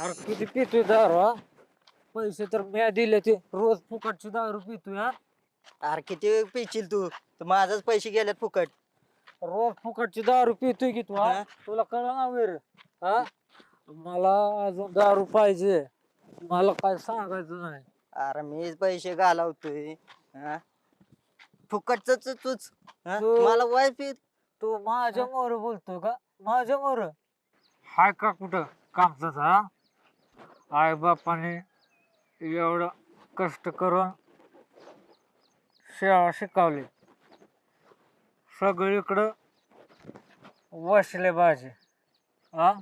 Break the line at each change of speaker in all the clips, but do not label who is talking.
अरे किती पितोय दारू हा? पैसे तर म्या दिले ते रोज फुकटची दारू पितोय हा.
अरे किती वेळ पिशील तू तर माझाच पैसे गेलेत फुकट.
रोज फुकटची दारू पितोय की तू हा?
हा?
तुला कळलं ना वेर हा? मला अजून दारू पाहिजे. मला काय सांगायचं नाही.
अरे मीच पैसे घालवतोय. हा? फुकटच तूच. हा?
तू
मला वाय पी.
तू माझ्या मोर बोलतोय का? माझ्या मोर हाय का कुठं कामचाच हा? आई बापाने एवढं कष्ट करून शाळा शिकवली, सगळीकडं वसले भाजी हा,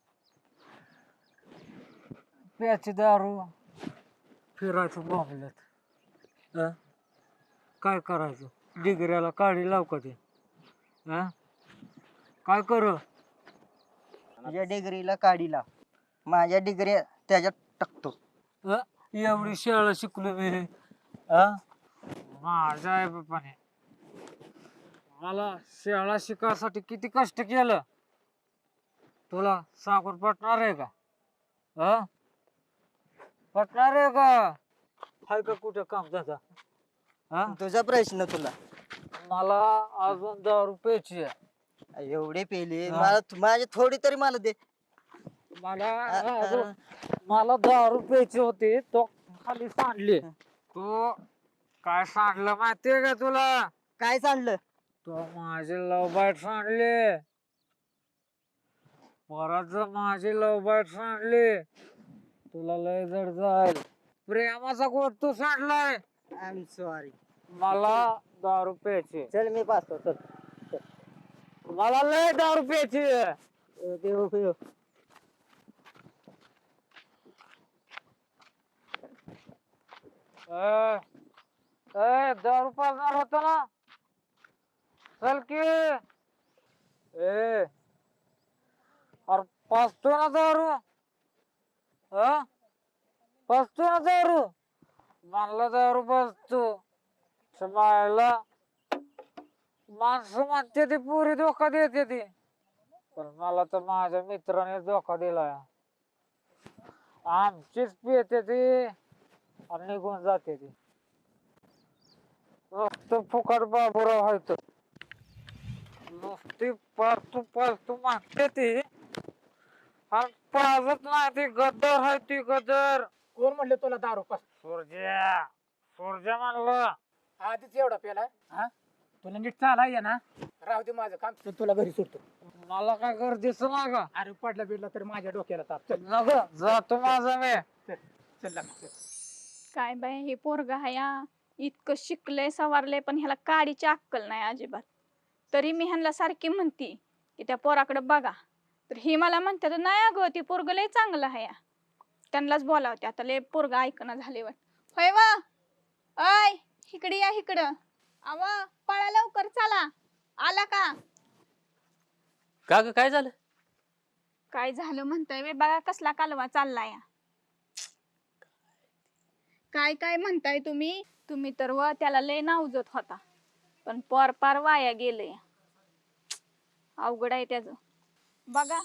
प्याची दारू, फिरायचं बोंबलत हा. काय करायचं डिग्र्याला काढी लाव का ते हा? काय करू?
तुझ्या डिग्रीला काढीला माझ्या डिग्री त्याच्यात टाकतो.
हा? एवढी शाळा शिकलो मी हा? माझ्या आई बापाने मला शाळा शिकायसाठी किती कष्ट केलं तुला सांगून पटणार आहे का हा? पटणार आहे का? हाय का कुठं काम जाता हा?
तुझा प्रश्न तुला.
मला अजून 10 रुपयाची आहे.
एवढे पेले
हा.
माझे थोडी तरी मला दे.
मला
अ-
अजून मला 10 रुपयाची होती तो खाली सांडली. तू काय सांडलं माहितीये का तुला?
काय सांडलं?
तो माझे लव बाईट सांडले. परत जर माझी लव बाईट सांडली तुला लय जड जाईल. प्रेमाचा गोट तू सांडलाय.
I am sorry.
मला 10 रुपयाची.
चल मी पाहतो चल.
मला लय 10 रुपयाची.
देव देव.
ए, 10 रुपये होत ना. चल की अरे पाचतो ना दारू हा? पाचतो ना दारू म्हणलं 10 रुपये समायला माणसं म्हणते ती पुरी धोका देते ती, पण मला तर माझ्या मित्राने धोका दिलाय. आमचीच पिते ती आणि निघून जाते ती. नुसतं फुकट बाबूराव व्हायचं, नुसती पालतू मागते ती आणि पाजत नाही ती. गद्दर आहे ती गद्दर.
कोण म्हणले तुला दारू पास?
सूर्या सूर्या म्हणलं.
आधीच एवढा पेलाय हा? तुला नीट चालाय या ना. राहू दे माझं काम, तुला घरी सुटतो.
मला काय गरजेच नाही का?
अरे पडला बिडला तर माझ्या डोक्याला ताप. चल
नको जातो माझा मी.
चल लाग, चल.
काय बाय हे पोरग हाया इतकं शिकलंय सवारलंय पण ह्याला काडीची अक्कल नाही अजिबात. तरी मी ह्यांना सारखी म्हणती की त्या पोराकडे बघा, तर ही मला म्हणते नाही अगं ती पोरग लय चांगलं हाया. त्यांनाच बोलावते आता, लय पोरग ऐकणं झाले वाट. होय वा अय इकडे या इकडं. आव पळा लवकर चला. आला का?
का ग काय झालं?
काय झालं म्हणताय वे बघा कसला कालवा चाललाय. काय काय म्हणताय तुम्ही? तुम्ही तर व त्याला लय नावजत होता, पण पोर पार वाया गेलंय. अवघड आहे त्याच बघा.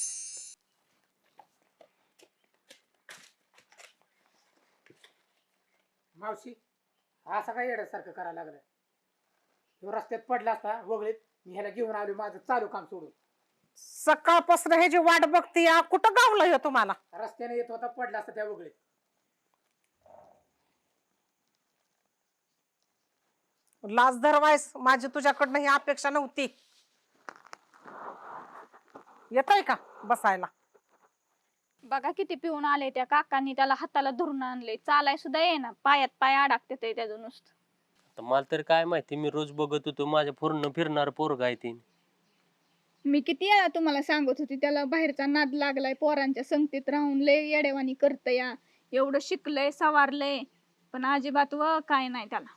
मावशी असं काय येण्यासारखं करायला लागलं? ह्यो रस्त्यात पडला असता वगळीत, मी ह्याला घेऊन आलो माझं चालू काम सोडून.
सकाळपासून ह्याची वाट बघती या. कुठं गावलं हे तुम्हाला?
रस्त्याने येत होता पडला असता त्या वगळीत.
लाज धरवायस, माझी तुझ्याकडनं ही अपेक्षा नव्हती. येतय का बसायला?
बघा किती पिऊन आले. त्या काकांनी त्याला हाताला धरून आणले, चालाय सुद्धा येईना, पायात पाय अडकते त्याचं नुसतं.
आता मला तर काय माहिती, मी रोज बघत होतो माझ्या पूर्ण फिरणार पोरग आहे ती.
मी किती वेळा तुम्हाला सांगत होती त्याला बाहेरचा नाद लागलाय, पोरांच्या संगतीत राहून लय येडेवानी करत या. एवढं शिकलंय सवारलंय पण अजिबात व काय नाही त्याला.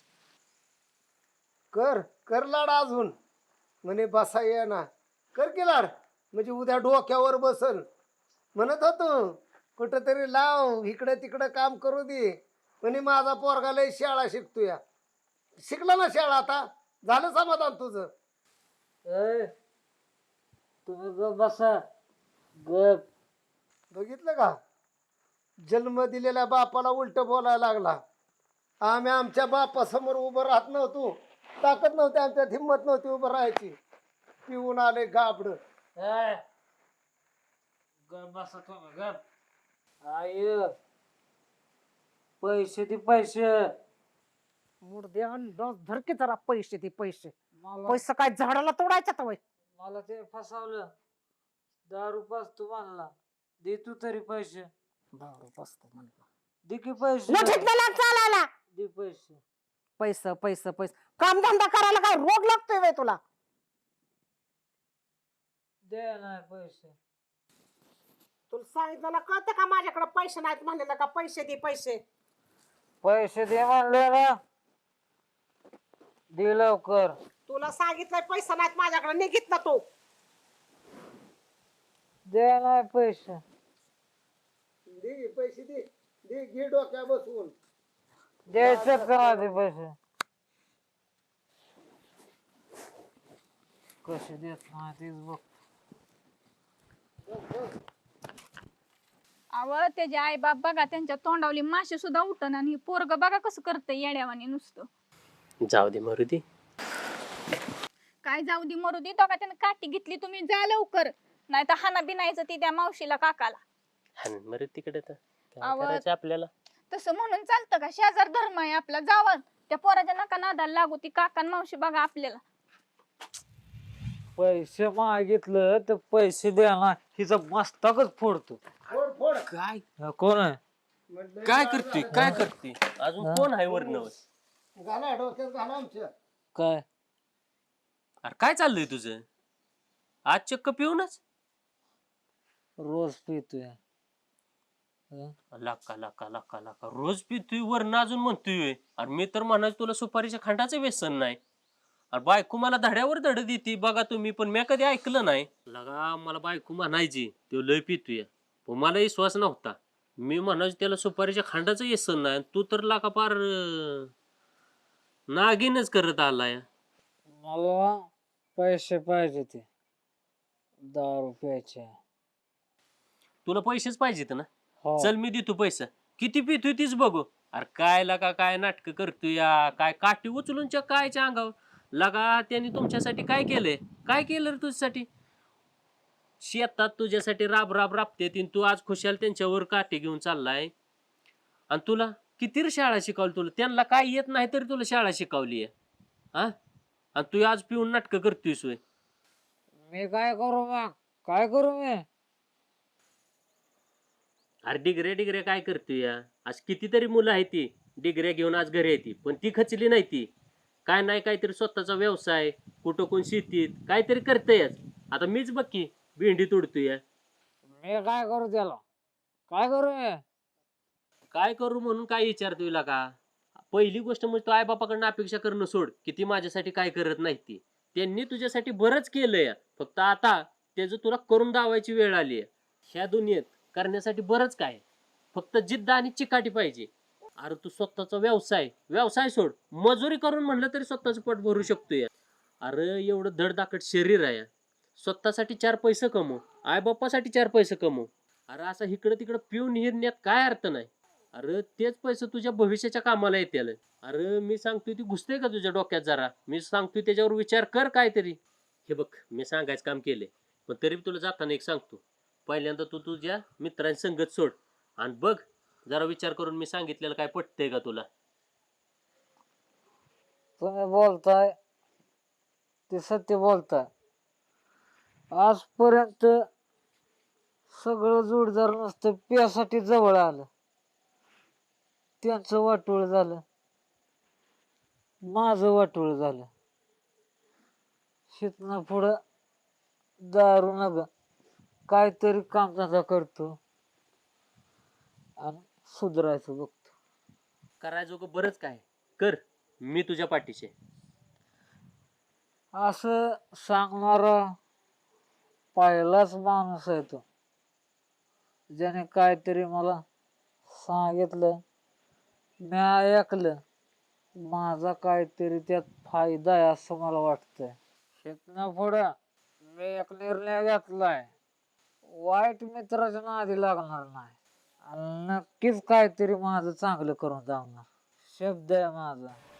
कर कर लाड अजून म्हणे बसा ये ना. कर की लाड म्हणजे उद्या डोक्यावर बसल. म्हणत होतो कुठंतरी लाव इकडे तिकडं काम करू दे. म्हणे माझा पोरगा लय शाळा शिकतोय. शिकला ना शाळा, आता झालं समाधान तुझं?
ए, तुम्ही गप बसा गप.
बघितलं का, जन्म दिलेल्या बापाला उलट बोलायला लागला. आम्ही आमच्या बापासमोर उभं राहत नव्हतो, ताकद नव्हती आमच्यात, हिंमत नव्हती उभं राहायची. पिऊन आले गाबड.
ए, गप बसा तुम्ही गप. आई पैसे दे पैसे.
मुर्द्या धरके जरा पैसे ते पैसे.
मला
पैसे काय झाडाला तोडायचा तर वय.
मला ते फसवलं. 10 पाजतो म्हणला. दे तू तरी पैसे.
दारू बसतो म्हणलं.
दे की पैसे.
लठीतलेला चालायला.
दे पैसे.
पैसे पैसे पैसे काम धंदा करायला काय रोग लागतोय वय तुला.
दे नाही पैसे.
तुला सांगितलं ना, कळतं का माझ्याकडे पैसे नाहीत म्हणलेलं का, पैसे दे पैसे.
पैसे दे म्हणले ना. दे लवकर.
तुला सांगितलंय पैसे नाहीत माझ्याकडे, निघित ना तू.
दे नाही पैसे.
दे पैसे दे, दे घे डोक्या बसवून.
द्यायचं का ते पैसे. कसे देत नाही तेच बघ.
अव त्याचे आई बाप बघा, त्यांच्या तोंडावली माशी सुद्धा उठन, आणि पोरग बघा कसं करतंय येड्यावानी नुसतं.
जाऊ दे मारुती.
काय जाऊ दे मरू दे, तो का त्यानं काठी घेतली, तुम्ही जा लवकर, नाही तर हाना बिनायचं ती त्या मावशीला काकाला.
हाण मरे तिकडे तर काय
आवाज-
करायचं आपल्याला.
तसं म्हणून चालतं का, शेजार धर्म आहे आपला, जावं त्या पोराच्या नका नादाला लागू, ती काका आणि मावशी बघा आपल्याला.
पैसे मागितलं तर पैसे द्या ना, हिचा मस्तकच फोडतो.
फोड फोड.
काय
कोण आहे.
म्हटलं
काय
गाडा
करतोय
घाला.
काय करतोय अजून कोण आहे वर्ण.
घाला डोक्यात घाला आमच्या.
काय.
अरे काय चाललंय तुझं आज चक्क पिऊनच.
रोज पितोय.
लाका लाका लाका लाका रोज पितोय वरण अजून म्हणतोय व्हय. अरे मी तर म्हणायचं तुला सुपारीच्या खांडाचं व्यसन नाही. अरे बायको मला धड्यावर धड देते बघा तुम्ही, पण मी कधी ऐकलं नाही. लगा मला बायको म्हणायची तो लय पितोय, पण मला विश्वास नव्हता. मी म्हणायचो त्याला सुपारीच्या खांडाचं व्यसन नाही, तू तर लाका पार नागिनच करत आलाय.
मला पैसे पाहिजे ते 10 रुपयाचे.
तुला पैसेच पाहिजेत ना.
हो.
चल मी देतो पैसा. किती पितोय तीच बघू. अरे काय लगा काय नाटक करतोय या, काय काठी उचलूनच्या कायच्या अंगावर. लगा त्यांनी तुमच्यासाठी काय केलंय, काय केलं रे तुझ्यासाठी. शेतात तुझ्यासाठी राब राब राबते तीन, तू आज खुशाल त्यांच्यावर काठी घेऊन चाललाय. आणि तुला किती रे शाळा शिकवली, तुला त्यांना काय येत नाही तरी तुला शाळा शिकवली आहे. हा आणि तू आज पिऊन नाटक करतोयस होय.
मी काय करू मग, काय करू मी.
अरे डिग्रे डिग्रे काय करतोय या. आज कितीतरी मुलं आहेत ती डिग्र्या घेऊन आज घरी येते, पण ती खचली नाही. ती काय नाही काहीतरी स्वतःचा व्यवसाय, कुठं कोण शेतीत काहीतरी करतयच. आता मीच बघ की भेंडी तोडतोय.
मी काय करू त्याला, काय करू मी.
काय करू म्हणून काय विचारतोय का. पहिली गोष्ट म्हणजे तू आई बापाकडनं अपेक्षा करणं सोड की ती माझ्यासाठी काय करत नाही. ती त्यांनी तुझ्यासाठी बरंच केलंय, फक्त आता त्याचं तुला करून दावायची वेळ आली आहे. ह्या दुनियेत करण्यासाठी बरंच काय, फक्त जिद्द आणि चिकाटी पाहिजे. अरे तू स्वतःचा व्यवसाय सोड, मजुरी करून म्हणलं तरी स्वतःचं पोट भरू शकतोय. अरे एवढं धडधाकट शरीर आहे, स्वतःसाठी 4 पैसे कमव, आई बाप्पासाठी 4 पैसे कमव. अरे असं इकडं तिकडं पिऊन हिरण्यात काय अर्थ नाही. अरे तेच पैसे तुझ्या भविष्याच्या कामाला येतील. अरे मी सांगतोय ती घुसते का तुझ्या डोक्यात जरा. मी सांगतोय त्याच्यावर विचार कर काहीतरी. हे बघ मी सांगायचं काम केले, पण तरी तुला जाताना एक सांगतो. पहिल्यांदा तू तुझ्या मित्रांची संगत सोड आणि बघ जरा विचार करून मी सांगितलेलं काय पटतंय का तुला.
तुम्ही बोलताय ते सत्य बोलताय. आजपर्यंत सगळं जोडदार नसतं प्यासाठी जवळ आलं, त्यांचं वाटोळ झालं, माझं वाटोळ झालं. शिकणं पुढं दारू नका, काहीतरी कामधंदा करतो आणि सुधारायचं बघतो.
करायचं बरंच काय कर, मी तुझ्या पाठीशी.
असं सांगणारा पहिलाच माणूस आहे तो, ज्याने काहीतरी मला सांगितलं, मी ऐकलं, माझा काहीतरी त्यात फायदा आहे असं मला वाटतंय. इथनं पुढं मी एक निर्णय घेतलाय, वाईट मित्राच्या नादी लागणार नाही आणि नक्कीच काहीतरी माझं चांगलं करून जाणार. शब्द आहे माझा.